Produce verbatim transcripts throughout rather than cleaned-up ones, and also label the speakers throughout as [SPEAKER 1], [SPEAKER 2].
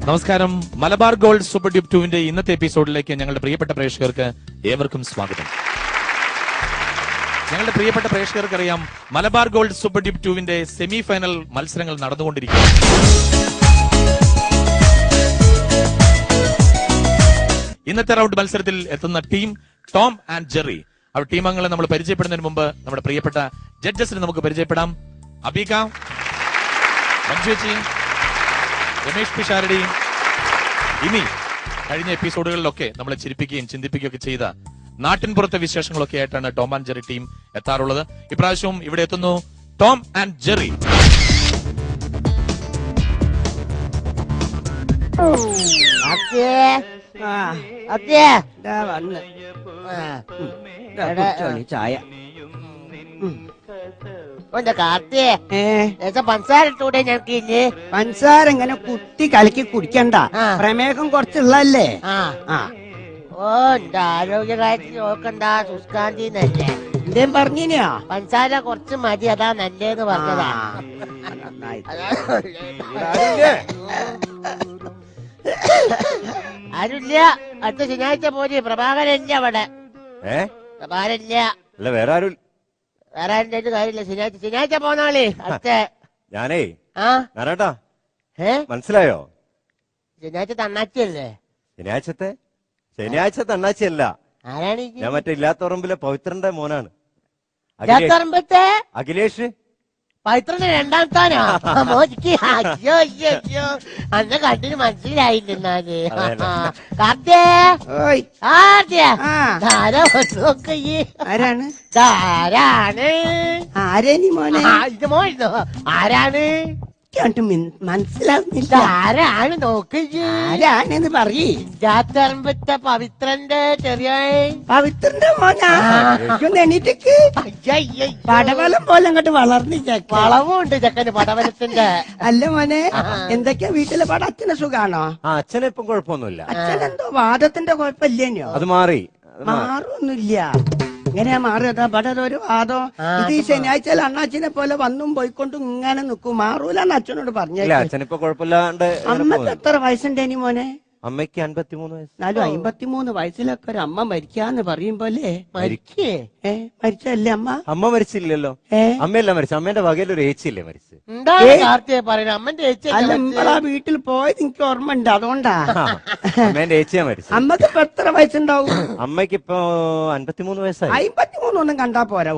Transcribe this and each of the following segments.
[SPEAKER 1] നമസ്കാരം. Malabar gold super ഡ്യൂബ് ടൂവിന്റെ ഇന്നത്തെ എപ്പിസോഡിലേക്ക് ഞങ്ങളുടെ പ്രിയപ്പെട്ട പ്രേക്ഷകർക്ക് ഏവർക്കും സ്വാഗതം. ഞങ്ങളുടെ പ്രിയപ്പെട്ട പ്രേക്ഷകർക്ക് അറിയാം, മലബാർ ഗോൾഡ് സൂപ്പർ ഡ്യൂബ് ടൂവിന്റെ സെമി ഫൈനൽ മത്സരങ്ങൾ നടന്നുകൊണ്ടിരിക്കുകയാണ്. ഇന്നത്തെ റൗണ്ട് മത്സരത്തിൽ എത്തുന്ന ടീം ടോം ആൻഡ് ജെറി. അവർ ടീം അംഗങ്ങളെ നമ്മൾ പരിചയപ്പെടുന്നതിന് മുമ്പ് നമ്മുടെ പ്രിയപ്പെട്ട ജഡ്ജസിനെ നമുക്ക് പരിചയപ്പെടാം. അബീക, മഞ്ജുച്ചി, രമേഷ് പിഷാരടി. ഇനി കഴിഞ്ഞ എപ്പിസോഡുകളിലൊക്കെ നമ്മളെ ചിരിപ്പിക്കുകയും ചിന്തിപ്പിക്കുകയൊക്കെ ചെയ്ത നാട്ടിൻപുറത്തെ വിശേഷങ്ങളൊക്കെ ആയിട്ടാണ് ടോം ആൻഡ് ജെറി ടീം എത്താറുള്ളത്. ഇപ്രാവശ്യവും ഇവിടെ എത്തുന്നു ടോം ആൻഡ് ജെറി.
[SPEAKER 2] ചായ
[SPEAKER 3] പഞ്ചസാര ഇട്ടൂടെ ഞങ്ങൾക്കില്ലേ?
[SPEAKER 2] പഞ്ചസാര ഇങ്ങനെ കുത്തി കലക്കി കുടിക്കണ്ട, പ്രമേഹം കുറച്ചുള്ളല്ലേ.
[SPEAKER 3] ഓ എന്റെ ആരോഗ്യകാര്യത്തിൽ നോക്കണ്ട, സുഷ്കാന്തിന്നല്ലേ
[SPEAKER 2] എന്തേം പറഞ്ഞിനാ?
[SPEAKER 3] പഞ്ചസാര കുറച്ച് മതി, അതാ നല്ലേന്ന് പറഞ്ഞതാ. ആരുമില്ല, അടുത്ത ശനിയാഴ്ച പോരി. പ്രഭാകരല്ല അവിടെ. പ്രഭാകരല്ല,
[SPEAKER 4] വേറെ ആരും
[SPEAKER 3] വേറെ ആരുടെ കാര്യമില്ല. ശനിയാഴ്ച ശനിയാഴ്ച പോന്നാളേ അടുത്ത.
[SPEAKER 4] ഞാനേ
[SPEAKER 3] ആ
[SPEAKER 4] നാരാട്ടാ,
[SPEAKER 3] ഏ
[SPEAKER 4] മനസ്സിലായോ?
[SPEAKER 3] ശനിയാഴ്ച തണ്ണാച്ചിയല്ലേ?
[SPEAKER 4] ശനിയാഴ്ചത്തെ ശനിയാഴ്ച തണ്ണാച്ചിയല്ല.
[SPEAKER 3] ആരാണ്
[SPEAKER 4] ഞാൻ മറ്റേ ഇല്ലാത്തറമ്പിലെ പവിത്രന്റെ മോനാണ്.
[SPEAKER 3] ഇല്ലാത്തറമ്പത്തെ
[SPEAKER 4] അഖിലേഷ്
[SPEAKER 3] പവിത്രന്റെ രണ്ടാമത്താനോ? മോദിക്ക് അയ്യോ അയ്യോ അയ്യോ, അന്ന് കണ്ടിന് മനസ്സിലായില്ല. എന്നാല് കാർത്തിയ
[SPEAKER 2] ആരാണ്
[SPEAKER 3] ആരാണ്
[SPEAKER 2] ആരേനി മോനെ?
[SPEAKER 3] ഇത് മോനോ? ആരാണ്
[SPEAKER 2] മനസ്സിലാവുന്നില്ല.
[SPEAKER 3] ആരാണ് നോക്ക്?
[SPEAKER 2] ആരാണെന്ന് പറയ്.
[SPEAKER 3] ഇല്ലാത്തറമ്പത്തെ പവിത്രന്റെ ചെറിയ
[SPEAKER 2] പവിത്രന്റെ മോനാ? എണീറ്റക്ക് പടവലം പോലെ അങ്ങോട്ട് വളർന്നു.
[SPEAKER 3] വളവുണ്ട് ചെക്കന് പടവലത്തിന്റെ.
[SPEAKER 2] അല്ല മോനെ, എന്തൊക്കെയാ വീട്ടിലെ പട? അച്ഛന് സുഖാണോ?
[SPEAKER 4] അച്ഛനെ ഇപ്പം കുഴപ്പമൊന്നുമില്ല.
[SPEAKER 2] അച്ഛനെന്തോ വാദത്തിന്റെ കുഴപ്പമില്ലേനോ?
[SPEAKER 4] അത് മാറി.
[SPEAKER 2] മാറൊന്നുമില്ല. ഇങ്ങനെയാ മാറിയതാ പടം ഒരു വാദം. ഇത് ഈ ശനിയാഴ്ച അണ്ണാച്ചിനെ പോലെ വന്നും പോയിക്കൊണ്ടും ഇങ്ങനെ നിക്കും. മാറൂലെന്ന് അച്ഛനോട് പറഞ്ഞില്ല.
[SPEAKER 4] അച്ഛനിപ്പോ കുഴപ്പമില്ലാണ്ട്.
[SPEAKER 2] അമ്മക്ക് എത്ര വയസ്സുണ്ടേനി മോനെ?
[SPEAKER 4] അമ്മയ്ക്ക് അൻപത്തിമൂന്ന് വയസ്സ്.
[SPEAKER 2] എന്നാലും അമ്പത്തിമൂന്ന് വയസ്സിലൊക്കെ ഒരു അമ്മ മരിക്കാന്ന് പറയുമ്പോലെ
[SPEAKER 3] മരിക്കേ?
[SPEAKER 2] ഏ മരിച്ചല്ലേ അമ്മ?
[SPEAKER 4] അമ്മ മരിച്ചില്ലല്ലോ. അമ്മയല്ല മരിച്ചു. അമ്മേന്റെ വകയിൽ ഒരു ഏച്ചില്ലേ മരിച്ചു.
[SPEAKER 3] അമ്മന്റെ
[SPEAKER 2] നമ്മളാ വീട്ടിൽ പോയത് എനിക്ക് ഓർമ്മ ഉണ്ട്, അതുകൊണ്ടാ.
[SPEAKER 4] അമ്മേന്റെ ഏച്ചിയാ മരിച്ചു.
[SPEAKER 2] അമ്മക്ക് ഇപ്പൊ എത്ര വയസ്സുണ്ടാവും?
[SPEAKER 4] അമ്മയ്ക്ക് ഇപ്പൊ അൻപത്തിമൂന്ന് വയസ്സായി.
[SPEAKER 2] അമ്പത്തിമൂന്നൊന്നും കണ്ടാ പോരാ.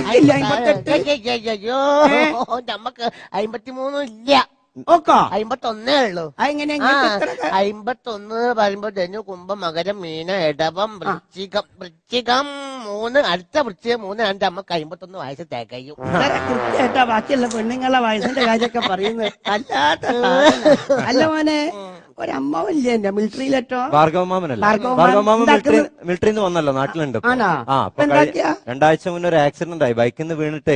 [SPEAKER 3] അയ്യോ, നമ്മക്ക് അമ്പത്തിമൂന്നും ഇല്ല, അമ്പത്തൊന്നേ ഉള്ളൂ. അമ്പത്തൊന്ന് പറയുമ്പോ ധനു, കുംഭം, മകരം, മീന, ഇടവം, വൃശ്ചികം. വൃശ്ചികം മൂന്ന്, അടുത്ത വൃശ്ചികം മൂന്ന് രണ്ട്. അമ്മക്ക് അമ്പത്തൊന്ന് വയസ്സ് തികയും.
[SPEAKER 2] കൃത്യമായിട്ടാ ബാക്കിയുള്ള പെണ്ണുങ്ങളെ വയസ്സിന്റെ കാര്യമൊക്കെ പറയുന്നത്. അല്ലാത്ത അല്ല മോനെ, ഒരമ്മാവല്ലേ എന്റെ മിലിറ്ററിയിലെട്ടോ?
[SPEAKER 4] ഭാർഗവമാമനല്ല, ഭാർഗവമാമൻ മിലിറ്ററിന്ന് വന്നല്ലോ, നാട്ടിലുണ്ട്. രണ്ടാഴ്ച മുന്നേ ഒരു ആക്സിഡന്റ് ആയി, ബൈക്കിൽ നിന്ന് വീണിട്ടേ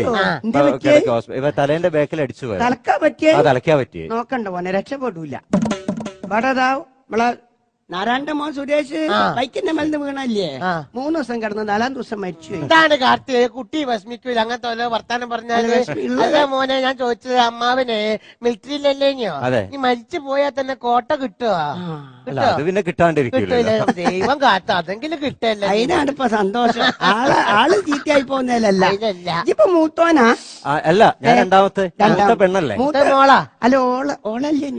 [SPEAKER 4] ഇവ തലേന്റെ ബാക്കിൽ അടിച്ചു പോയി.
[SPEAKER 2] തലക്കാ പറ്റിയ
[SPEAKER 4] തലക്കാ പറ്റിയേ.
[SPEAKER 2] നോക്കണ്ട മോനെ, രക്ഷപ്പെടൂല. വടതാ നമ്മളെ നാരായണന്റെ മോൻ സുരേഷ് ബൈക്കിന്റെ മേലിന്ന് വീണല്ലേ? മൂന്ന് ദിവസം കിടന്ന് നാലാം ദിവസം മരിച്ചു.
[SPEAKER 3] എന്താണ് കാർത്തിക കുട്ടി വിഷമിക്കൂല അങ്ങനത്തെ ഓരോ വർത്താനം പറഞ്ഞാല്? അല്ല മോനെ, ഞാൻ ചോദിച്ചത് അമ്മാവനെ മിലിറ്ററിയിലല്ലേഞ്ഞോ? നീ മരിച്ചു പോയാൽ തന്നെ കോട്ട കിട്ടുവോ?
[SPEAKER 4] പിന്നെ കിട്ടാണ്ടിരിക്കില്ല.
[SPEAKER 3] ദൈവം കാത്ത അതെങ്കിലും കിട്ടല്ലേ.
[SPEAKER 2] അതിനാണ് ഇപ്പൊ സന്തോഷം. ആള് ആള് ചീത്തയായി പോകുന്നതല്ല. ഇപ്പൊ മൂത്തോനാ?
[SPEAKER 4] അല്ല, ഞാൻ രണ്ടാമത്തെ പെണ്ണല്ലേ.
[SPEAKER 2] മൂത്ത മോളാ? അല്ല ഓള ഓളല്ലേ?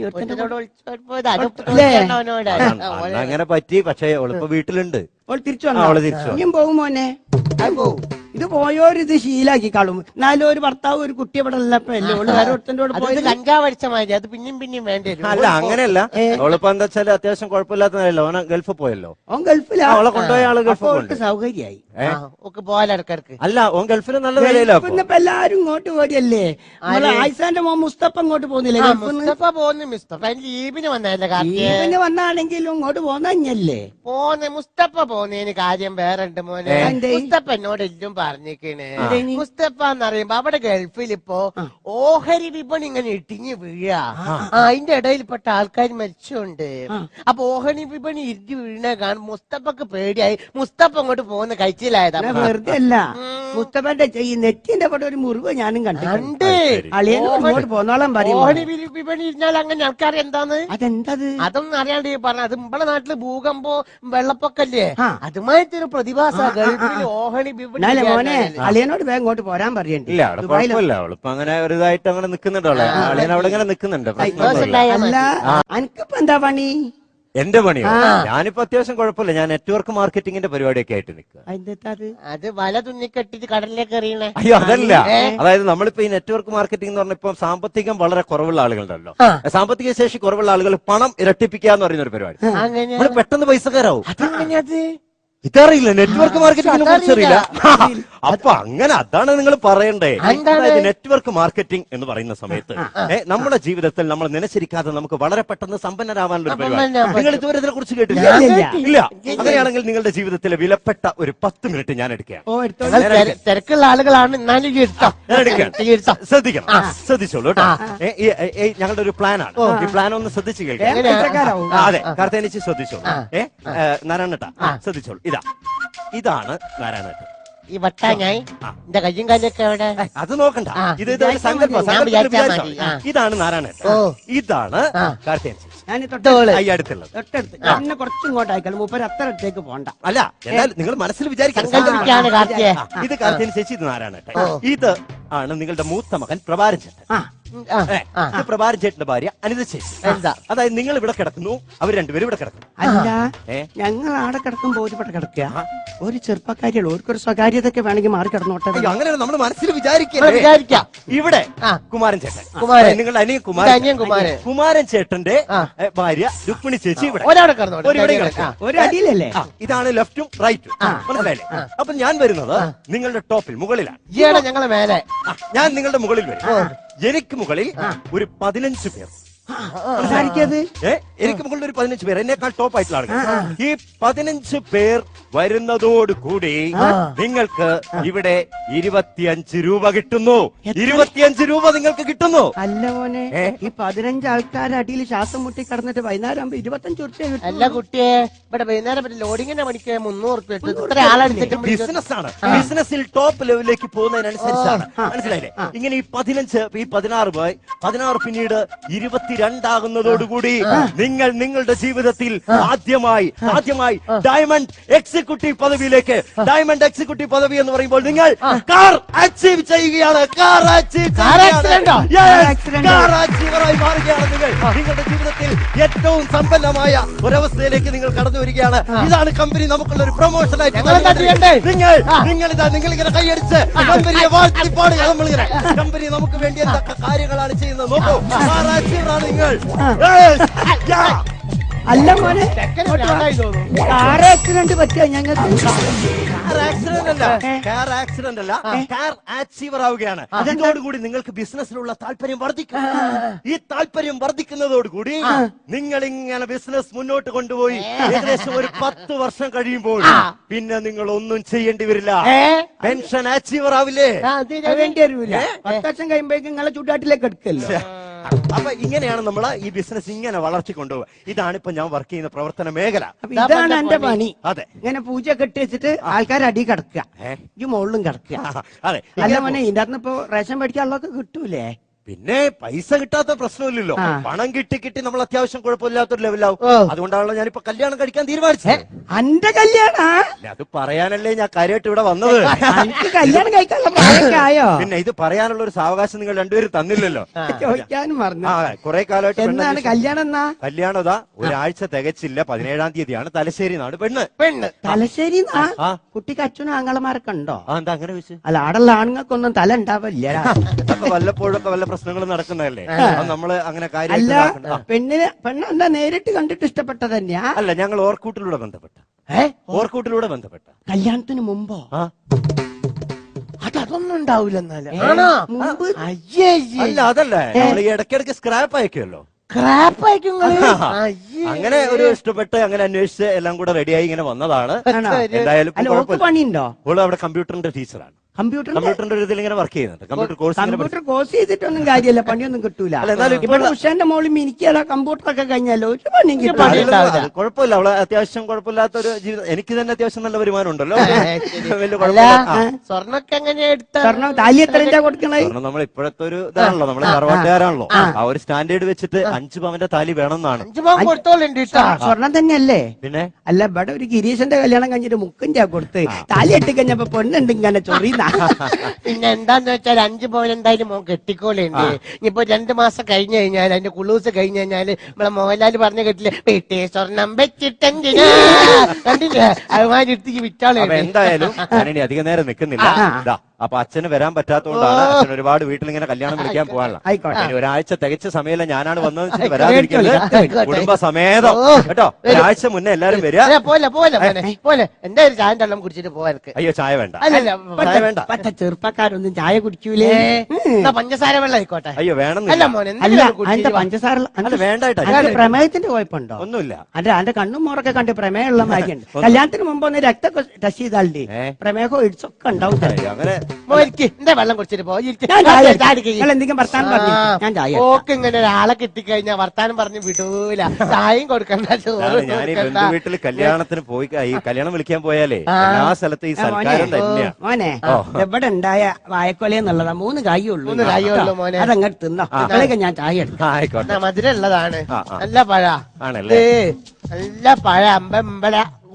[SPEAKER 4] അങ്ങനെ പറ്റി. പക്ഷെ ഓളിപ്പോ വീട്ടിലുണ്ട്.
[SPEAKER 2] തിരിച്ചു വന്നു പോകും മോനെ. ഇത് പോയോരിത് ശീലാക്കി കളും. എന്നാലും ഒരു ഭർത്താവ് ഒരു കുട്ടി ഇവിടെ ഉള്ളപ്പോഴല്ലേ ഓള് വേറെ ഒരുത്തൻ്റെ കൂടെ പോയത്.
[SPEAKER 3] കഞ്ചാവ് അടിച്ച മാതിരി അത് പിന്നെയും പിന്നെയും വേണ്ടി വരും.
[SPEAKER 4] അല്ല, അങ്ങനെയല്ല. ഓളിപ്പോ എന്താ വെച്ചാല് അത്യാവശ്യം കുഴപ്പമില്ലാത്തതല്ലോ. ഓന ഗൾഫ് പോയല്ലോ.
[SPEAKER 2] ഓൻ ഗൾഫിലാ.
[SPEAKER 4] അവളെ കൊണ്ടുപോയ ആള് ഗൾഫ്
[SPEAKER 2] സൗകര്യായി.
[SPEAKER 3] പോയാലിടക്കിടക്ക്
[SPEAKER 4] അല്ല, ഓൻ ഗൾഫിൽ നല്ല വിലയില്ല.
[SPEAKER 2] ഇപ്പൊ എല്ലാരും ഇങ്ങോട്ട് പോരല്ലേ? ആയിസാന്റെ മോൻ മുസ്തഫ ഇങ്ങോട്ട് പോകുന്നില്ലേ?
[SPEAKER 3] മുസ്തഫ പോകുന്നു. മുസ്തഫ ലീവിന് വന്നല്ലേ?
[SPEAKER 2] ലീവിന് വന്നാണെങ്കിലും ഇങ്ങോട്ട് പോന്നല്ലേ?
[SPEAKER 3] പോന്നെ മുസ്തഫ പോന്നതിന് കാര്യം വേറെ ഉണ്ട് മോനെ. മുസ്തഫ എന്നോട് എല്ലാം പറഞ്ഞിക്കണ് മുസ്തഫ എന്ന് പറയുമ്പോ അവിടെ ഗൾഫിൽ ഇപ്പോ ഓഹരി വിപണി ഇങ്ങനെ ഇട്ടിഞ്ഞ് വീഴ അതിന്റെ ഇടയിൽപ്പെട്ട ആൾക്കാർ മരിച്ചുണ്ട്. അപ്പൊ ഓഹരി വിപണി ഇരിഞ്ഞു വീഴണ കാണും മുസ്തഫക്ക് പേടിയായി. മുസ്തഫ അങ്ങോട്ട് പോകുന്ന കഴിച്ചിലായതാ.
[SPEAKER 2] വെറുതെ അല്ല, മുസ്തഫന്റെ ഈ നെറ്റിന്റെ അവിടെ ഒരു മുറിവ് ഞാനും കണ്ടു. അളിയനോട് പോന്നോളം പറയും
[SPEAKER 3] ഓഹരി വിപണി ഇരുന്നാൽ അങ്ങനെ ആൾക്കാർ എന്താന്ന്
[SPEAKER 2] അതെന്തത്
[SPEAKER 3] അതൊന്നും അറിയാണ്ട് പറഞ്ഞ. അത് നമ്മളെ നാട്ടില് ഭൂകമ്പോ വെള്ളപ്പൊക്കല്ലേ അതുമായിട്ട് ഒരു പ്രതിഭാസ ഗൾഫിൽ ഓഹരി വിപണി.
[SPEAKER 2] മോനെ അളിയനോട് വേഗം ഇങ്ങോട്ട് പോരാൻ പറയണ്ട.
[SPEAKER 4] ഇല്ല അവിടെ കുഴപ്പമില്ല, അവളിപ്പോ അങ്ങനെ ഒരു ഇതായിട്ട് അങ്ങനെ നിക്കുന്നുണ്ടോ? അളിയൻ അവിടെ ഇങ്ങനെ നിക്കുന്നുണ്ട്.
[SPEAKER 2] അല്ല അനക്കിപ്പോ എന്താ പണി?
[SPEAKER 4] എന്റെ പണിയോ? ഞാനിപ്പോ അത്യാവശ്യം കുഴപ്പമില്ല. ഞാൻ നെറ്റ്വർക്ക് മാർക്കറ്റിംഗിന്റെ പരിപാടിയൊക്കെ ആയിട്ട് നിൽക്കുക.
[SPEAKER 3] അത് വല തുന്നിക്കെട്ടിട്ട് കടലിലേക്ക് എറിയണേ.
[SPEAKER 4] അയ്യോ അതല്ല, അതായത് നമ്മളിപ്പോ ഈ നെറ്റ്വർക്ക് മാർക്കറ്റിംഗ് എന്ന് പറഞ്ഞപ്പോ സാമ്പത്തികം വളരെ കുറവുള്ള ആളുകളുണ്ടല്ലോ, സാമ്പത്തിക ശേഷി കുറവുള്ള ആളുകൾ പണം ഇരട്ടിപ്പിക്കുക എന്ന് പറയുന്ന ഒരു പരിപാടി. നമ്മൾ പെട്ടെന്ന് പൈസക്കാരാവും. ഇതറിയില്ല, നെറ്റ്വർക്ക് മാർക്കറ്റിംഗിനെ കുറിച്ച് അറിയില്ല. അപ്പൊ അങ്ങനെ അതാണ് നിങ്ങൾ പറയണ്ടേ. അതായത് നെറ്റ്വർക്ക് മാർക്കറ്റിംഗ് എന്ന് പറയുന്ന സമയത്ത് നമ്മുടെ ജീവിതത്തിൽ നമ്മൾ നനച്ചിരിക്കാതെ നമുക്ക് വളരെ പെട്ടെന്ന് സമ്പന്നരാവാനുള്ള ഒരു പരിപാടി. നിങ്ങൾ ഇതുവരെ ഇതിനെ കുറിച്ച് കേട്ടില്ല? ഇല്ല. അങ്ങനെയാണെങ്കിൽ നിങ്ങളുടെ ജീവിതത്തിലെ വിലപ്പെട്ട ഒരു പത്ത് മിനിറ്റ് ഞാൻ എടുക്കാം.
[SPEAKER 3] തിരക്കുള്ള ആളുകളാണ്.
[SPEAKER 4] ശ്രദ്ധിക്കണം, ശ്രദ്ധിച്ചോളൂ കേട്ടോ. ഞങ്ങളുടെ ഒരു പ്ലാനാണ്. ഈ പ്ലാൻ ഒന്ന് ശ്രദ്ധിച്ചു കേൾക്കാം. അതെ, കാർത്തേനിച്ച് ശ്രദ്ധിച്ചോളൂ. ഏ നാരായണേട്ടാ ശ്രദ്ധിച്ചോളൂ. ഇതാ ഇതാണ് നാരായണേട്ടൻ.
[SPEAKER 3] ഈ വട്ടാഞ്ഞായി എന്റെ കയ്യും കാലൊക്കെ എവിടെ?
[SPEAKER 4] അത് നോക്കണ്ട, ഇത് സങ്കല്പം. ഇതാണ് നാരായണേട്ടൻ, ഇതാണ് കാർത്തേനിച്ച്.
[SPEAKER 2] തൊട്ടടുത്ത് എന്നെ കുറച്ചും ഇങ്ങോട്ട് അയക്കണം. മൂപ്പര് അത്ര അടുത്തേക്ക് പോണ്ട.
[SPEAKER 4] അല്ല എന്നാൽ നിങ്ങൾ മനസ്സിൽ വിചാരിക്കണം. ഇത് കാർത്തേനി ചേച്ചി, ഇത് നാരായണേട്ടൻ. ഇത് ആണ് നിങ്ങളുടെ മൂത്ത മകൻ പ്രഭാരൻ ചേട്ടൻ. പ്രഭാരൻ ചേട്ടന്റെ ഭാര്യ അനിത ചേച്ചി. അതായത് നിങ്ങൾ ഇവിടെ കിടക്കുന്നു, അവർ രണ്ടുപേരും ഇവിടെ കിടക്കുന്നു.
[SPEAKER 2] അല്ല ഞങ്ങൾ ആടെ കിടക്കുമ്പോ ഒരുപാട് കിടക്കുക. ഒരു ചെറുപ്പക്കാരിയുള്ളൂ, ഓർക്കൊരു സ്വകാര്യതൊക്കെ വേണമെങ്കിൽ മാറി കിടന്നോട്ടെ.
[SPEAKER 4] അങ്ങനെ നമ്മൾ മനസ്സിൽ വിചാരിക്കാം. ഇവിടെ കുമാരൻ ചേട്ടൻ, നിങ്ങളുടെ അനിയൻ കുമാരൻ കുമാരൻ കുമാരൻ ചേട്ടന്റെ ഭാര്യ രുക്മിണി ചേച്ചി ഇവിടെ
[SPEAKER 2] ഒരു അടിയിലല്ലേ.
[SPEAKER 4] ഇതാണ് ലെഫ്റ്റും റൈറ്റും, മനസ്സിലായില്ലേ? അപ്പൊ ഞാൻ വരുന്നത് നിങ്ങളുടെ ടോപ്പിൽ മുകളിലാണ്.
[SPEAKER 3] ഞങ്ങളെ മേലെ,
[SPEAKER 4] ഞാൻ നിങ്ങളുടെ മുകളിൽ വരും. എനിക്ക് മുകളിൽ ഒരു പതിനഞ്ച് പേർ. എനിക്ക് മുകളിൽ ഒരു പതിനഞ്ച് പേർ, എന്നേക്കാൾ ടോപ്പ് ആയിട്ടുള്ള ആളുകൾ. ഈ പതിനഞ്ച് പേർ വരുന്നതോടുകൂടി നിങ്ങൾക്ക് ഇവിടെ ഇരുപത്തിയഞ്ച് രൂപ കിട്ടുന്നു. ഇരുപത്തിയഞ്ച് രൂപ നിങ്ങൾക്ക് കിട്ടുന്നു.
[SPEAKER 2] അല്ല മോനെ, ഈ പതിനഞ്ച് ആൾക്കാരുടെ അടിയിൽ ശ്വാസം മുട്ടി കടന്നിട്ട് വൈകുന്നേരം ആകുമ്പോ ഇരുപത്തഞ്ച് റുപ്യ കിട്ടും.
[SPEAKER 3] അല്ല കുട്ടിയെ, ഇവിടെ വൈകുന്നേരം ലോഡിങ്ങിന്റെ മണിക്ക് മുന്നൂറ് റുപ്യ ഇത്ര ആളെടുത്തിട്ട്
[SPEAKER 4] ബിസിനസ് ആണ്. ബിസിനസ്സിൽ ടോപ്പ് ലെവലിലേക്ക് പോകുന്നതിനനുസരിച്ചാണ്, മനസ്സിലായില്ലേ? ഇങ്ങനെ ഈ പതിനഞ്ച്, ഈ പതിനാറ് പോയി പതിനാറ് പിന്നീട് ഇരുപത്തിരണ്ടാകുന്നതോടുകൂടി നിങ്ങൾ നിങ്ങളുടെ ജീവിതത്തിൽ ആദ്യമായി ആദ്യമായി ഡയമണ്ട് എക്സിക്യൂട്ടീവ് പദവിയിലേക്ക്, ഡയമണ്ട് എക്സിക്യൂട്ടീവ് പദവി എന്ന് പറയുമ്പോൾ നിങ്ങൾ കാർ അച്ചീവ് ചെയ്യുകയാണ്. കാർ അച്ചീവ് കാർ അച്ചീവറായി മാറുകയാണ് നിങ്ങൾ. നിങ്ങളുടെ ജീവിതത്തിൽ ഏറ്റവും സമ്പന്നമായ ഒരവസ്ഥയിലേക്ക് നിങ്ങൾ കടന്നു വരികയാണ്. ഇതാണ് കമ്പനി നമുക്കുള്ള ഒരു പ്രൊമോഷൻ ആയിട്ട്. നിങ്ങൾ നിങ്ങൾ ഇതാ നിങ്ങൾ ഇങ്ങനെ കൈയടിച്ച് കമ്പനിയെ വാഴ്ത്തിപ്പാടുക. നമ്മളിങ്ങനെ കമ്പനി നമുക്ക് വേണ്ടി എന്തൊക്കെ കാര്യങ്ങളാണ് ചെയ്യുന്നത് നോക്കൂ. കാർ അച്ചീവറാണ് നിങ്ങൾ.
[SPEAKER 2] അല്ല മോനെ, കാർ ആക്സിഡന്റ് പറ്റിയ ഞങ്ങൾക്ക്
[SPEAKER 4] ആക്സിഡന്റ് അല്ല, കാർ ആക്സിഡന്റ് അല്ല, കാർ അച്ചീവർ ആവുകയാണ്. അതോടുകൂടി നിങ്ങൾക്ക് ബിസിനസ്സിലുള്ള താല്പര്യം വർദ്ധിക്കും. ഈ താല്പര്യം വർദ്ധിക്കുന്നതോടുകൂടി നിങ്ങൾ ഇങ്ങനെ ബിസിനസ് മുന്നോട്ട് കൊണ്ടുപോയി ഏകദേശം ഒരു പത്ത് വർഷം കഴിയുമ്പോൾ പിന്നെ നിങ്ങൾ ഒന്നും ചെയ്യേണ്ടി വരില്ല. പെൻഷൻ അച്ചീവർ ആവില്ലേ?
[SPEAKER 2] വേണ്ടി വരില്ല. പത്ത് വർഷം കഴിയുമ്പോഴേക്കും നിങ്ങളെ ചുടാട്ടിലേക്ക് എടുക്കല്ലോ.
[SPEAKER 4] അപ്പൊ ഇങ്ങനെയാണ് നമ്മൾ ഈ ബിസിനസ് ഇങ്ങനെ വളർത്തി കൊണ്ടുപോകുക. ഇതാണ് ഇപ്പൊ ഞാൻ വർക്ക് ചെയ്യുന്ന പ്രവർത്തന മേഖല.
[SPEAKER 2] ഇതാണ് എന്റെ പണി.
[SPEAKER 4] അതെ,
[SPEAKER 2] ഇങ്ങനെ പൂജ കെട്ടി വെച്ചിട്ട് ആൾക്കാർ അടി കിടക്കുക, ഈ മുകളിലും കിടക്കുക.
[SPEAKER 4] അതെ.
[SPEAKER 2] അല്ല മോനെ, ഇതിന്റെ അകത്ത് ഇപ്പൊ റേഷൻ മേടിക്കാനുള്ളതൊക്കെ കിട്ടൂലേ?
[SPEAKER 4] പിന്നെ പൈസ കിട്ടാത്ത പ്രശ്നമില്ലല്ലോ. പണം കിട്ടി കിട്ടി നമ്മൾ അത്യാവശ്യം കുഴപ്പമില്ലാത്തൊരു ലെവലാവും. അതുകൊണ്ടാണല്ലോ ഞാനിപ്പോ കല്യാണം കഴിക്കാൻ തീരുമാനിച്ചത്.
[SPEAKER 2] എന്റെ കല്യാണ
[SPEAKER 4] അത് പറയാനല്ലേ ഞാൻ കാര്യമായിട്ട് ഇവിടെ വന്നത്.
[SPEAKER 2] കല്യാണം കഴിക്കാനുള്ള പ്രായമൊക്കെയായോ?
[SPEAKER 4] പിന്നെ ഇത് പറയാനുള്ള ഒരു സാവകാശം നിങ്ങൾ രണ്ടുപേരും തന്നില്ലല്ലോ.
[SPEAKER 2] ചോദിക്കാനും പറഞ്ഞു.
[SPEAKER 4] കുറെ കാലമായിട്ട്
[SPEAKER 2] എന്താണ് കല്യാണം? എന്നാ
[SPEAKER 4] കല്യാണം ഇതാ ഒരാഴ്ച തികച്ചില്ല. പതിനേഴാം തീയതിയാണ്. തലശ്ശേരി നാട് പെണ്ണ്.
[SPEAKER 2] പെണ്ണ് തലശ്ശേരി. കുട്ടിക്ക് അച്ഛനും ആങ്ങളമാരൊക്കെ ഉണ്ടോ?
[SPEAKER 4] എന്താ അങ്ങനെ വെച്ച്?
[SPEAKER 2] അല്ല, ആടുള്ള ആണുങ്ങൾക്കൊന്നും തല ഉണ്ടാവില്ല.
[SPEAKER 4] വല്ലപ്പോഴൊക്കെ വല്ല പ്രശ്നങ്ങൾ നടക്കുന്നതല്ലേ, നമ്മള് അങ്ങനെ കാര്യം.
[SPEAKER 2] അല്ല, പെണ്ണിന് പെണ്ണെന്താ നേരിട്ട് കണ്ടിട്ട് ഇഷ്ടപ്പെട്ട തന്നെയാ?
[SPEAKER 4] അല്ല, ഞങ്ങൾ ഓർക്കൂട്ടിലൂടെ ബന്ധപ്പെട്ട. ഓർക്കൂട്ടിലൂടെ ബന്ധപ്പെട്ട.
[SPEAKER 2] കല്യാണത്തിന് മുമ്പോ?
[SPEAKER 3] അതൊന്നും ഉണ്ടാവില്ലെന്നാലും.
[SPEAKER 4] അല്ല, അതല്ലേ നമ്മൾ ഈ ഇടയ്ക്കിടയ്ക്ക് സ്ക്രാപ്പ് അയക്കുമല്ലോ.
[SPEAKER 3] സ്ക്രാപ്പ് അയക്കും.
[SPEAKER 4] അങ്ങനെ ഒരു ഇഷ്ടപ്പെട്ട് അങ്ങനെ അന്വേഷിച്ച് എല്ലാം കൂടെ റെഡിയായി ഇങ്ങനെ വന്നതാണ്. എന്തായാലും
[SPEAKER 2] പണിയുണ്ടോ?
[SPEAKER 4] ഓള് അവിടെ കമ്പ്യൂട്ടറിന്റെ ടീച്ചറാണ്.
[SPEAKER 2] കമ്പ്യൂട്ടർ
[SPEAKER 4] കമ്പ്യൂട്ടറിന്റെ ഒരു ഇതിൽ ഇങ്ങനെ വർക്ക് ചെയ്യുന്നുണ്ട്. കമ്പ്യൂട്ടർ കോഴ്സ്
[SPEAKER 2] കമ്പ്യൂട്ടർ കോഴ്സ് ചെയ്തിട്ടൊന്നും കാര്യമില്ല, പണിയൊന്നും കിട്ടൂല.
[SPEAKER 4] അല്ല, എന്നാലും
[SPEAKER 2] ഇവിടെ ഉഷാന്റെ മോളിൽ മിനിക്കല്ല കമ്പ്യൂട്ടർ ഒക്കെ കഴിഞ്ഞാലോ ഒരു പണിയും കിട്ടില്ല.
[SPEAKER 4] കുഴപ്പമില്ല, അവളെ അത്യാവശ്യം കുഴപ്പമില്ലാത്ത ഒരു ജീവിതം. എനിക്ക് തന്നെ അത്യാവശ്യം നല്ല വരുമാനം ഉണ്ടല്ലോ. വലിയ
[SPEAKER 3] അല്ല
[SPEAKER 4] കുഴപ്പമില്ല.
[SPEAKER 3] സ്വർണ്ണൊക്കെ എങ്ങനെയാ എടുത്ത
[SPEAKER 2] സ്വർണ്ണം താലി എത്ര കൊടുക്കണേ?
[SPEAKER 4] കാരണം നമ്മൾ ഇപ്പോഴത്തെ ഒരു ഇതാണല്ലോ, നമ്മള് തറവാട്ടുകാരാണല്ലോ. ആ ഒരു സ്റ്റാൻഡേർഡ് വെച്ചിട്ട് അഞ്ചു പവന്റെ താലി വേണമെന്നാണ്.
[SPEAKER 3] അഞ്ചു പവൻ കൊടുത്തോളുണ്ട് കേട്ടോ.
[SPEAKER 2] സ്വർണം തന്നെയല്ലേ?
[SPEAKER 4] പിന്നെ
[SPEAKER 2] അല്ല, ഇവിടെ ഒരു ഗിരീശന്റെ കല്യാണം കഴിഞ്ഞിട്ട് മുക്കിന്റെ കൊടുത്ത് താലി എട്ടി കഴിഞ്ഞപ്പോ പെണ്ണുണ്ട് ഇങ്ങനെ ചൊറിയുന്ന.
[SPEAKER 3] പിന്നെ എന്താന്ന് വെച്ചാൽ അഞ്ചു പവൻ എന്തായാലും മോൻ കെട്ടിക്കോളുണ്ട്. ഇനിയിപ്പോ രണ്ടു മാസം കഴിഞ്ഞു കഴിഞ്ഞാൽ അതിന്റെ കുളൂസ് കഴിഞ്ഞു കഴിഞ്ഞാല് നമ്മളെ മോഹൻലാൽ പറഞ്ഞു കേട്ടില്ലേ, വീട്ടേ സ്വർണം വെച്ചിട്ടെങ്കിനാ കണ്ടില്ലേ അതുമാതിരി എടുത്തേക്ക് വിറ്റാളെ.
[SPEAKER 4] അപ്പൊ എന്തായാലും ഞാനിനി അധികം നേരം നിൽക്കുന്നില്ല. ഇതാ അപ്പൊ അച്ഛന് വരാൻ പറ്റാത്തതുകൊണ്ടാണ് അച്ഛൻ ഒരുപാട് വീട്ടിൽ ഇങ്ങനെ കല്യാണം വിളിക്കാൻ പോകാനുള്ള.
[SPEAKER 2] ആയിക്കോട്ടെ.
[SPEAKER 4] ഇനി ഒരാഴ്ച തികച്ച സമയമില്ല, ഞാനാണ് വന്നതെന്ന് വരാതിരിക്കുന്നത്. കുടുംബസമേതം കേട്ടോ. ഒരാഴ്ച മുന്നേ എല്ലാരും വരിക.
[SPEAKER 3] അല്ല, പോലെ പോലെ മോനെ, പോലെ എന്തായാലും ചായ വെള്ളം കുടിച്ചിട്ട് പോവാർക്ക്.
[SPEAKER 4] അയ്യോ ചായ വേണ്ട,
[SPEAKER 3] അല്ലല്ല
[SPEAKER 4] ചായ വേണ്ട.
[SPEAKER 2] പറ്റ ചെറുപ്പക്കാരൊന്നും ചായ കുടിക്കൂലേ?
[SPEAKER 3] എന്നാ പഞ്ചസാര വെള്ളം ആയിക്കോട്ടെ.
[SPEAKER 4] അയ്യോ
[SPEAKER 3] അല്ല
[SPEAKER 4] വേണമെന്നില്ല.
[SPEAKER 3] മോനെ
[SPEAKER 2] അല്ല,
[SPEAKER 3] എന്തെങ്കിലും
[SPEAKER 2] അതിന്റെ
[SPEAKER 3] കുടിച്ചിട്ട് വാ.
[SPEAKER 2] പഞ്ചസാര
[SPEAKER 4] അല്ല വേണ്ടായിട്ടാ.
[SPEAKER 2] അതിന്റെ പ്രമേയത്തിന്റെ കുഴപ്പമുണ്ടോ?
[SPEAKER 4] ഒന്നുമില്ല.
[SPEAKER 2] അന്റെ അന്റെ കണ്ണും മോറൊക്കെ കണ്ട് പ്രമേയമുള്ള മാതിരിയുണ്ട്. കല്യാണത്തിന് മുമ്പ് ഒന്ന് രക്തമൊക്കെ ടെസ്റ്റ് ചെയ്താലേ
[SPEAKER 4] ഏ?
[SPEAKER 2] പ്രമേഹം ഇടിച്ചൊക്കെ ഉണ്ടാവും.
[SPEAKER 4] അയ്യോ, അങ്ങനെ
[SPEAKER 3] മോനിക്ക് എന്താ വെള്ളം കുടിച്ചിട്ട് പോ. ഇരിക്ക്.
[SPEAKER 2] ഞാൻ ചായ
[SPEAKER 3] ചായ
[SPEAKER 2] എടുക്കാം.
[SPEAKER 3] കുടിക്ക്.
[SPEAKER 2] നിങ്ങൾ എന്തെങ്കിലും വർത്താനം പറഞ്ഞു ഞാൻ ചായ എടുക്കാം.
[SPEAKER 3] ഓക്ക് ഇങ്ങനെ ഒരാളെ കിട്ടിക്കഴിഞ്ഞാ വർത്താനം പറഞ്ഞ് വിടൂല. ചായയും കൊടുക്കണ്ട, ചോറ്
[SPEAKER 4] അതാണ് ഞാൻ ഈ
[SPEAKER 3] കൊടുക്കണ്ട.
[SPEAKER 4] ബന്ധു വീട്ടിൽ കല്യാണത്തിന് പോയി ഈ കല്യാണം വിളിക്കാൻ പോയാലേ എല്ലാ സ്ഥലത്തും ഈ സൽക്കാരം തന്നെയാ.
[SPEAKER 2] മോനെ, എവിടെ ഉണ്ടായ വായക്കൊല എന്നുള്ളതാ, മൂന്ന് കായുള്ളൂ.
[SPEAKER 3] മൂന്ന് കായേ ഉള്ളൂ മോനെ.
[SPEAKER 2] അതങ്ങോട്ട് തിന്നോ. അപ്പോഴേക്ക് ഞാൻ ചായ എടുക്കാം.
[SPEAKER 4] ആ, ആയിക്കോട്ടെ.
[SPEAKER 3] എന്നാ മധുരം ഉള്ളതാണ്.
[SPEAKER 4] ആ, ആ.
[SPEAKER 3] നല്ല പഴ
[SPEAKER 4] ആണല്ലേ?
[SPEAKER 3] ഏ, നല്ല പഴ അമ്പമ്പല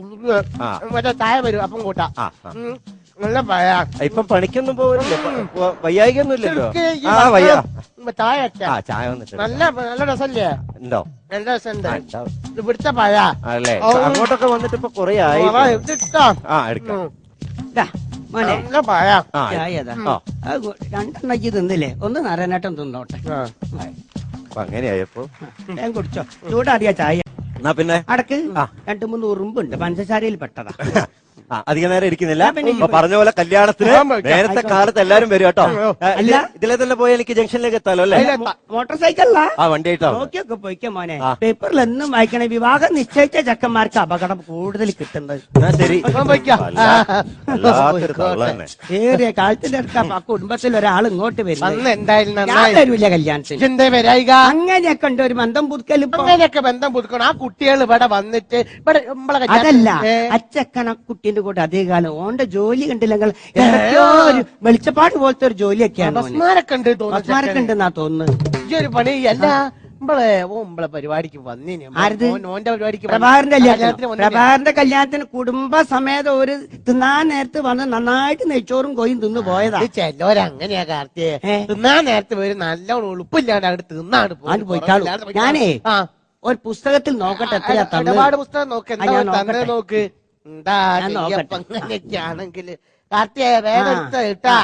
[SPEAKER 4] ആ.
[SPEAKER 3] മറ്റേ ചായ വരും അപ്പം കൂട്ടാ.
[SPEAKER 4] ആ, ആ.
[SPEAKER 3] ഉം, നല്ല പഴ.
[SPEAKER 4] ഇപ്പം പണിക്കൊന്നും പോകില്ലേ? വയ്യായികൊന്നും ഇല്ലല്ലോ.
[SPEAKER 3] ശരിക്ക് ഈ
[SPEAKER 4] ആ വയ്യ.
[SPEAKER 3] ഭക്ഷണം ചായ വെച്ചാ
[SPEAKER 4] ആ ചായ വന്നിട്ട്
[SPEAKER 3] നല്ല നല്ല രസല്ലേ?
[SPEAKER 4] ഉണ്ടോ?
[SPEAKER 3] നല്ല രസമുണ്ട്.
[SPEAKER 4] ആ, ഉണ്ടാവും.
[SPEAKER 3] ഇത് പിടിച്ച പഴ
[SPEAKER 4] അല്ലേ?
[SPEAKER 3] ഓ.
[SPEAKER 4] അങ്ങോട്ടൊക്കെ വന്നിട്ട് ഇപ്പൊ കൊറേ ആയി.
[SPEAKER 3] ഇത് ഇട്ടോ?
[SPEAKER 4] ആ എടുക്കാം.
[SPEAKER 3] ഉം.
[SPEAKER 2] ദാ, മോനെ
[SPEAKER 3] നല്ല പഴ.
[SPEAKER 4] ആ
[SPEAKER 2] ചായ അതാ.
[SPEAKER 4] ആ.
[SPEAKER 2] രണ്ടെണ്ണക്ക് തിന്നില്ലേ, ഒന്ന് നാരായണേട്ടൻ തിന്നോട്ടെ.
[SPEAKER 3] ആ.
[SPEAKER 4] അപ്പൊ അങ്ങനെയായപ്പോ
[SPEAKER 2] ഞാൻ കുടിച്ചോ, ചൂടാറിയ ചായ.
[SPEAKER 4] എന്നാ പിന്നെ
[SPEAKER 2] അടക്ക് രണ്ടു മൂന്ന് ഉറുമ്പുണ്ട്, പഞ്ചസാരയിൽ പെട്ടതാ.
[SPEAKER 4] ആ അധികം നേരം ഇരിക്കുന്നില്ല.
[SPEAKER 2] ഞാൻ പിന്നെ
[SPEAKER 4] അപ്പൊ പറഞ്ഞ പോലെ കല്യാണത്തിന് നേരത്തെ കാലത്ത് എല്ലാരും വരും കേട്ടോ.
[SPEAKER 2] അല്ല.
[SPEAKER 4] ഇതിലെ തന്നെ പോയി എനിക്ക് ജംഗ്ഷനിലേക്ക് എത്താലോ അല്ലേ?
[SPEAKER 2] മോട്ടോർ സൈക്കിളിലാ
[SPEAKER 4] ആ വണ്ടി ആയിട്ടാണ്.
[SPEAKER 2] നോക്കിയൊക്കെ പോയിക്കോ മോനെ.
[SPEAKER 4] ആ.
[SPEAKER 2] പേപ്പറിൽ എന്നും വായിക്കണേ, വിവാഹം നിശ്ചയിച്ച ചെക്കന്മാർക്ക് അപകടം കൂടുതൽ കിട്ടുന്നത്.
[SPEAKER 4] എന്നാ ശരി.
[SPEAKER 3] ഇപ്പം പോയിക്കോ.
[SPEAKER 4] വല്ലാ- വല്ലാത്തൊരു തള്ള തന്നെ.
[SPEAKER 2] ഏറിയ കാലത്തിന്റെ അടുക്ക ആ കുടുംബത്തിൽ ഒരാൾ ഇങ്ങോട്ട് വരുന്നത്.
[SPEAKER 3] അന്ന് എന്തായാലും
[SPEAKER 2] ഞാൻ
[SPEAKER 3] നന്നായി.
[SPEAKER 2] വരൂല കല്യാണത്തിന്.
[SPEAKER 3] എന്തേ വരായിക?
[SPEAKER 2] അങ്ങനെയൊക്കെ ഉണ്ട് ഒരു ബന്ധം പുതുക്കൽ. ഇപ്പൊ
[SPEAKER 3] അങ്ങനെയൊക്കെ ബന്ധം പുതുക്കണം. ആ കുട്ടികൾ ഇവിടെ വന്നിട്ട് ഇവിടെ നമ്മളെ
[SPEAKER 2] അതല്ല,
[SPEAKER 3] കല്യാണത്തിന്
[SPEAKER 2] അച്ചക്കണ കുട്ടീന്റെ കൂടെ അതേ കാലം ഓന്റെ ജോലി കണ്ടില്ലെങ്കിൽ എന്തൊക്കെയോ ഒരു വെളിച്ചപ്പാട് പോലത്തെ ഒരു ജോലിയൊക്കെയാണ് ഓന്.
[SPEAKER 3] ബസ്മാരൊക്കെ ഉണ്ട്
[SPEAKER 2] ബസ്മാരൊക്കെ
[SPEAKER 3] തോന്നുന്നു.
[SPEAKER 2] ഉണ്ടെന്നാ തോന്നുന്നു.
[SPEAKER 3] ഈ ഒരു പണി അല്ല നമ്മളെ ഓ നമ്മളെ പരിപാടിക്ക് വന്നിന്.
[SPEAKER 2] ആരത്?
[SPEAKER 3] ഓൻ- ഓന്റെ പരിപാടിക്ക്
[SPEAKER 2] പ്രഭാകരന്റെ
[SPEAKER 3] കല്യാണത്തിന്
[SPEAKER 2] കല്യാണത്തിന്
[SPEAKER 3] വന്നിന്.
[SPEAKER 2] പ്രഭാകരന്റെ കല്യാണത്തിന് കുടുംബസമേതം ഒരു തിന്നാൻ നേരത്ത് വന്ന് നന്നായിട്ട് നെയ്ച്ചോറും കോയും തിന്നു പോയതാ.
[SPEAKER 3] ഇത് ചെല്ലോരങ്ങനെയാ കാർത്തിയെ.
[SPEAKER 2] ഏ?
[SPEAKER 3] തിന്നാൻ നേരത്തെ വരും നല്ലോണം ഉളുപ്പില്ലാണ്ട് അവിടെ തിന്നാണ്
[SPEAKER 2] ആണ്ട് പോയിക്കാളൂ. ഞാനേ
[SPEAKER 3] ആ
[SPEAKER 2] ഒരു പുസ്തകത്തിൽ നോക്കട്ടെ എത്രയാ തന്നത്.
[SPEAKER 3] ഒരുപാട് പുസ്തകം നോക്ക്.
[SPEAKER 2] ആ,
[SPEAKER 3] എന്താ
[SPEAKER 2] ഞാൻ
[SPEAKER 3] തന്നെ
[SPEAKER 2] നോക്കട്ടെ.
[SPEAKER 3] നോക്ക്. എന്താ
[SPEAKER 2] ഞാൻ
[SPEAKER 3] ചെയ്യപ്പ
[SPEAKER 2] നോക്കട്ടെ.
[SPEAKER 3] അങ്ങനെയൊക്കെ ആണെങ്കിൽ കാർത്തിയെ വേഗം എടുത്ത കേട്ടാ.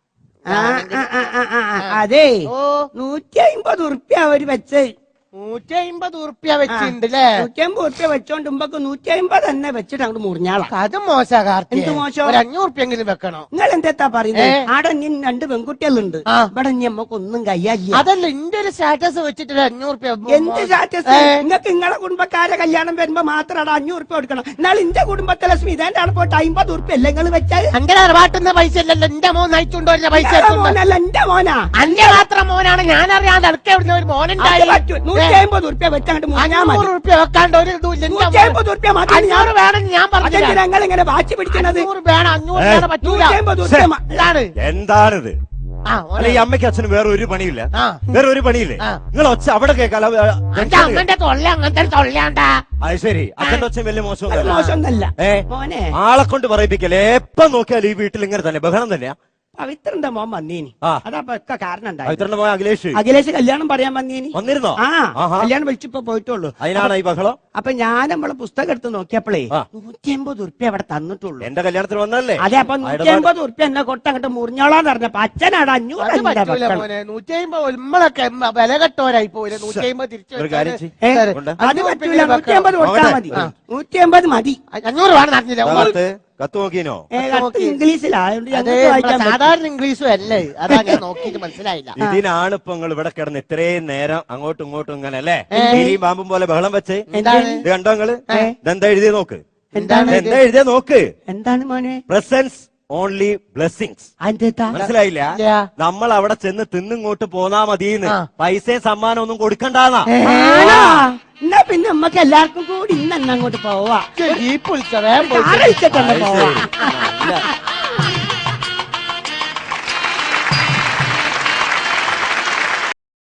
[SPEAKER 2] ആ, ആ, ആ, ആ, ആ, ആ, അതേ
[SPEAKER 3] ഓ
[SPEAKER 2] നൂറ്റി അമ്പത് ഉറുപ്പ്യ അവര് വെച്ച്
[SPEAKER 3] നൂറ്റി അമ്പത് ഉറുപ്പ്യ വെച്ചിട്ടുണ്ടല്ലേ?
[SPEAKER 2] നൂറ്റി അമ്പത് ഉറുപ്പ്യ വെച്ചോണ്ട് മുമ്പൊക്കെ നൂറ്റി അമ്പത് തന്നെ വെച്ചിട്ട് അങ്ങോട്ട് മുറിഞ്ഞാളാ.
[SPEAKER 3] അത് മോശാ കാർത്തിയെ.
[SPEAKER 2] എന്ത് മോശം?
[SPEAKER 3] ഒരു അഞ്ഞൂറ് ഉറുപ്പ്യെങ്കിലും വെക്കണം.
[SPEAKER 2] നിങ്ങൾ എന്താ പറയുന്നത്?
[SPEAKER 3] ഏ?
[SPEAKER 2] ആടെ ഇനി രണ്ട് പെൺകുട്ടികളുണ്ട്.
[SPEAKER 3] ആ.
[SPEAKER 2] ഇവിടെ ഇനി നമ്മക്ക് ഒന്നും കയ്യാല്ല.
[SPEAKER 3] അതല്ല ഇന്റെ ഒരു സ്റ്റാറ്റസ് വെച്ചിട്ട് ഒരു അഞ്ഞൂറ് ഉറുപ്പ്യ
[SPEAKER 2] എന്ത് സ്റ്റാറ്റസ്? നിങ്ങൾക്ക് നിങ്ങളെ കുടുംബക്കാരെ കല്യാണം വരുമ്പോ മാത്രമാണ് അഞ്ഞൂറ് ഉറുപ്പ്യ കൊടുക്കണം. എന്നാൽ ഇന്റെ കുടുംബത്തിലെ സ്മിതന്റെ അവിടെ പോയിട്ട് അമ്പത് ഉറുപ്പ്യ അല്ലേ നിങ്ങൾ വെച്ചാൽ?
[SPEAKER 3] അന്റെ തറവാട്ടുന്ന പൈസ അല്ലല്ലോ എന്റെ മോൻ നയിച്ചുകൊണ്ട് വരുന്ന പൈസ.
[SPEAKER 2] നിങ്ങളെ മോനല്ല എന്റെ മോനാ.
[SPEAKER 3] അന്റെ മാത്രം മോനാണ്. ഞാൻ അറിയാതെ അടുക്ക ഇവിടുന്ന് ഒരു മോനുണ്ടായി.
[SPEAKER 2] നൂറ്റി അമ്പത് ഉറുപ്പ്യ വെച്ചങ്ങോട്ട് മുറിഞ്ഞാൽ മതി.
[SPEAKER 3] അഞ്ഞൂറ് ഉറുപ്പ്യ വെക്കാണ്ട് ഒരു ഇതും ഇല്ല.
[SPEAKER 2] നൂറ്റി അമ്പത് ഉറുപ്പ്യ മതി.
[SPEAKER 3] അഞ്ഞൂറ് വേണം ഞാൻ പറഞ്ഞു.
[SPEAKER 2] അതെന്തിനാ നിങ്ങൾ ഇങ്ങനെ വാശി പിടിക്കണത്?
[SPEAKER 3] അഞ്ഞൂറ് വേണം. അഞ്ഞൂറ് വേണം പറ്റൂല.
[SPEAKER 2] നൂറ്റി അമ്പത് ഉറുപ്പ്യ മ-
[SPEAKER 3] ഇതാണ്.
[SPEAKER 4] എന്താണിത്?
[SPEAKER 3] ആ
[SPEAKER 4] അല്ല ഈ അമ്മയ്ക്ക് അച്ഛനും വേറെ ഒരു പണിയില്ല.
[SPEAKER 3] ആ.
[SPEAKER 4] വേറെ ഒരു പണിയില്ലേ?
[SPEAKER 3] ആ.
[SPEAKER 4] നിങ്ങൾ ഒച്ച അവിടെ കേൾക്കാലോ.
[SPEAKER 3] അന്റെ അമ്മന്റെ തൊള്ള അങ്ങനത്തെ തൊള്ളയാണ്ടാ.
[SPEAKER 4] അത് ശരി. അച്ഛന്റെ ഒച്ച വലിയ
[SPEAKER 2] അത്
[SPEAKER 4] മോശമൊന്നുമല്ല.
[SPEAKER 2] മോശമൊന്നല്ല
[SPEAKER 4] ഏ
[SPEAKER 2] മോനെ.
[SPEAKER 4] ആളെ കൊണ്ട് പറയിപ്പിക്കല്ലേ. എപ്പം നോക്കിയാലും ഈ വീട്ടിൽ ഇങ്ങനെ തന്നെ ബഹളം തന്നെയാ.
[SPEAKER 2] പവിത്രന്റെ മോൻ വന്നീനി.
[SPEAKER 4] ആ.
[SPEAKER 2] അതപ്പൊ ഒക്കെ കാരണം ഉണ്ടായി.
[SPEAKER 4] പവിത്രന്റെ മോൻ അഖിലേഷ്
[SPEAKER 2] അഖിലേഷ് കല്യാണം പറയാൻ വന്നീനി.
[SPEAKER 4] വന്നിരുന്നോ?
[SPEAKER 2] ആ
[SPEAKER 4] ആഹാ.
[SPEAKER 2] കല്യാണം വിളിച്ചിപ്പോ പോയിട്ടുള്ളൂ.
[SPEAKER 4] അതിനാണ് ഈ ബഹളം.
[SPEAKER 2] അപ്പൊ ഞാൻ നമ്മളെ പുസ്തകം എടുത്ത് നോക്കിയപ്പോഴേ
[SPEAKER 4] ആ.
[SPEAKER 2] നൂറ്റി അമ്പത് ഉറുപ്പ്യ അവിടെ തന്നിട്ടുള്ളൂ.
[SPEAKER 4] എന്റെ കല്യാണത്തിന് വന്നല്ലേ?
[SPEAKER 2] അതെ, അപ്പൊ നൂറ്റി അമ്പത് ഉറുപ്പ്യ എന്നെ കൊട്ട് അങ്ങോട്ട് മുറിഞ്ഞോളാന്ന് പറഞ്ഞപ്പോ അച്ഛനാണ് അഞ്ഞൂറ്
[SPEAKER 3] അത്
[SPEAKER 2] അഞ്ഞൂറ്
[SPEAKER 3] പറ്റൂല
[SPEAKER 2] വെക്കണം.
[SPEAKER 3] മോനെ. നൂറ്റി അമ്പത് നമ്മളൊക്കെ വില കെട്ടോരായി പോയില്ല. നൂറ്റി അമ്പത് തിരിച്ചു
[SPEAKER 4] ഒരു കാര്യം ചെയ്യ്.
[SPEAKER 2] ഏ,
[SPEAKER 3] ശരി.
[SPEAKER 4] കൊണ്ട്.
[SPEAKER 2] അത് പറ്റൂല. നൂറ്റി അമ്പത് കൊടുത്താൽ
[SPEAKER 4] നോക്കട്ടെ.
[SPEAKER 2] മതി. നൂറ്റി അമ്പത് മതി.
[SPEAKER 3] അഞ്ഞൂറ് വേണം നടന്നില്ല.
[SPEAKER 4] കത്ത് കത്ത് നോക്കിനോ?
[SPEAKER 2] ഏ, കത്ത് ഇംഗ്ലീഷിലാ. അതുകൊണ്ട്
[SPEAKER 3] അത്
[SPEAKER 2] ഞങ്ങൾക്ക് വായിക്കാൻ
[SPEAKER 3] നമ്മളെ
[SPEAKER 2] പറ്റും.
[SPEAKER 3] സാധാരണ ഇംഗ്ലീഷും അല്ലേ. അതാ ഞാൻ നോക്കിയിട്ട് മനസ്സിലായില്ല.
[SPEAKER 4] ഇതിനാണ് ഇപ്പൊ നിങ്ങൾ ഇവിടെ കിടന്ന് ഇത്രയും നേരം അങ്ങോട്ടും ഇങ്ങോട്ടും ഇങ്ങനെ അല്ലേ
[SPEAKER 3] ഏ.
[SPEAKER 4] കീരിയും പാമ്പും പോലെ ബഹളം വെച്ച്.
[SPEAKER 3] എന്താണ്?
[SPEAKER 4] ഇത് കണ്ടോ നിങ്ങള്?
[SPEAKER 2] ഏ.
[SPEAKER 4] ഇതെന്താ എഴുതിയ നോക്ക്.
[SPEAKER 2] എന്താണ്
[SPEAKER 4] എന്താ എഴുതിയ നോക്ക്.
[SPEAKER 2] എന്താണ് മോനെ?
[SPEAKER 4] Presence only blessings.
[SPEAKER 2] അതെന്താ
[SPEAKER 4] മനസ്സിലായില്ല?
[SPEAKER 3] ഇല്ല.
[SPEAKER 4] നമ്മൾ അവിടെ ചെന്ന് തിന്നിങ്ങോട്ട് പോന്നാ മതിയെന്ന്, പൈസയും സമ്മാനം ഒന്നും കൊടുക്കണ്ടാന്നാ.
[SPEAKER 2] എന്നാ പിന്നെ നമ്മക്ക് എല്ലാവർക്കും കൂടി ഇന്ന് അങ്ങോട്ട് പോവാ.
[SPEAKER 3] ജീപ്പ് വിളിച്ച വേഗം പോയി.
[SPEAKER 2] ആലോചിച്ചിട്ടല്ലേ പോവാ.
[SPEAKER 4] ഇല്ല.